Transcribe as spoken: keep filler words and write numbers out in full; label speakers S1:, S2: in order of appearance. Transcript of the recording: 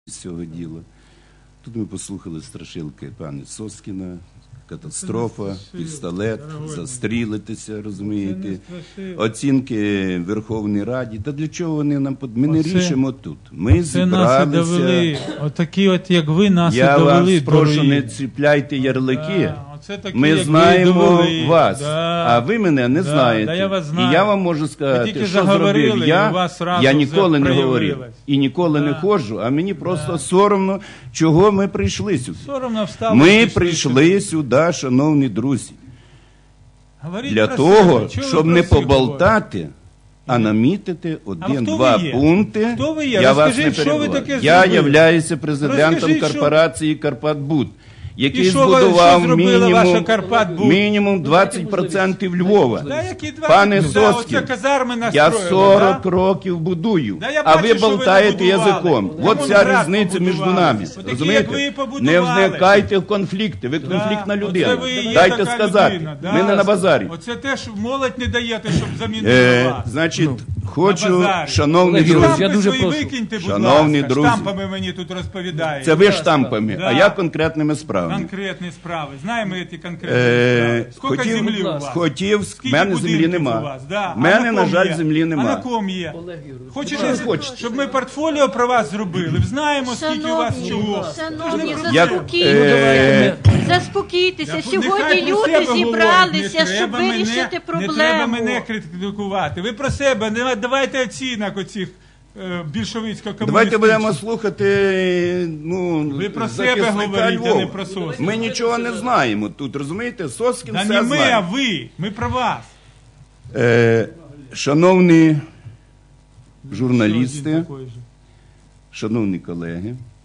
S1: з цього діла. Тут ми послухали страшилки пана Соскіна, катастрофа, пістолет, застрілитися, розумієте, оцінки Верховній Раді. Та для чого вони нам... Ми не рішимо тут. Ми зібралися...
S2: Отакі от, як ви, нас і
S1: довели. Я
S2: довели,
S1: вас прошу,
S2: дорогі.
S1: не чіпляйте ярлики.
S2: Да, такі,
S1: ми знаємо вас,
S2: да,
S1: а ви мене не
S2: да,
S1: знаєте.
S2: Да, я вас знаю.
S1: І я вам можу сказати, що зробив я, я ніколи не говорив. І ніколи да. не ходжу, а мені просто да. соромно, чого ми прийшли сюди.
S2: Соромно встали.
S1: Ми прийшли сюди, шановні друзі,
S2: говоріть
S1: для того, щоб не поболтати, а намітити один-два пункти.
S2: Хто ви є?
S1: Я
S2: Розкажіть,
S1: вас не
S2: що ви таке
S1: Я
S2: зробили?
S1: являюся президентом
S2: Розкажіть,
S1: корпорації «Карпатбуд», який
S2: і
S1: збудував
S2: що
S1: мінімум, мінімум двадцять відсотків Львова.
S2: Да, які
S1: Пане
S2: да,
S1: Соскін,
S2: казарми
S1: я сорок
S2: да?
S1: років будую,
S2: да, я
S1: а
S2: бачу,
S1: ви болтаєте
S2: ви
S1: язиком.
S2: Да,
S1: От ця різниця між нами.
S2: Такі,
S1: розумієте? Не вникайте в конфлікти, ви конфліктна
S2: да,
S1: людина.
S2: Дайте
S1: сказати,
S2: людина, да.
S1: ми не на базарі.
S2: Оце теж молодь не даєте, щоб замінити
S1: е,
S2: вас.
S1: Значить,
S2: ну,
S1: хочу, шановні
S2: друзі,
S1: друзі,
S2: я дуже прошу. Викиньте,
S1: шановні
S2: ласка,
S1: друзі,
S2: штампами мені тут розповідаєте.
S1: Це ви штампами,
S2: да.
S1: а я конкретними справами.
S2: Конкретні справи. Знаємо ці конкретні
S1: е,
S2: справи. Скільки
S1: хотів,
S2: землі у вас?
S1: Хотів, в мене землі нема.
S2: Да.
S1: В мене, на, на жаль,
S2: є?
S1: землі нема.
S2: А на ком є? Хочете, щоб ми портфоліо про вас зробили? Знаємо, скільки у вас чого.
S3: Шановні,
S1: Як,
S3: заспокійтеся. Заспокійтеся. Сьогодні люди зібралися, щоб вирішити проблему.
S2: Не треба мене критикувати. Ви про себе, не давайте оцінок оцих більшовицько-комуністичних.
S1: Давайте будемо слухати, ну,
S2: ви про себе говорите,
S1: Львова.
S2: не про Соскіна.
S1: Ми нічого не знаємо тут, розумієте? Соскін
S2: да
S1: все
S2: не ми,
S1: знає.
S2: а ви. Ми про вас.
S1: Е, шановні журналісти, шановні колеги,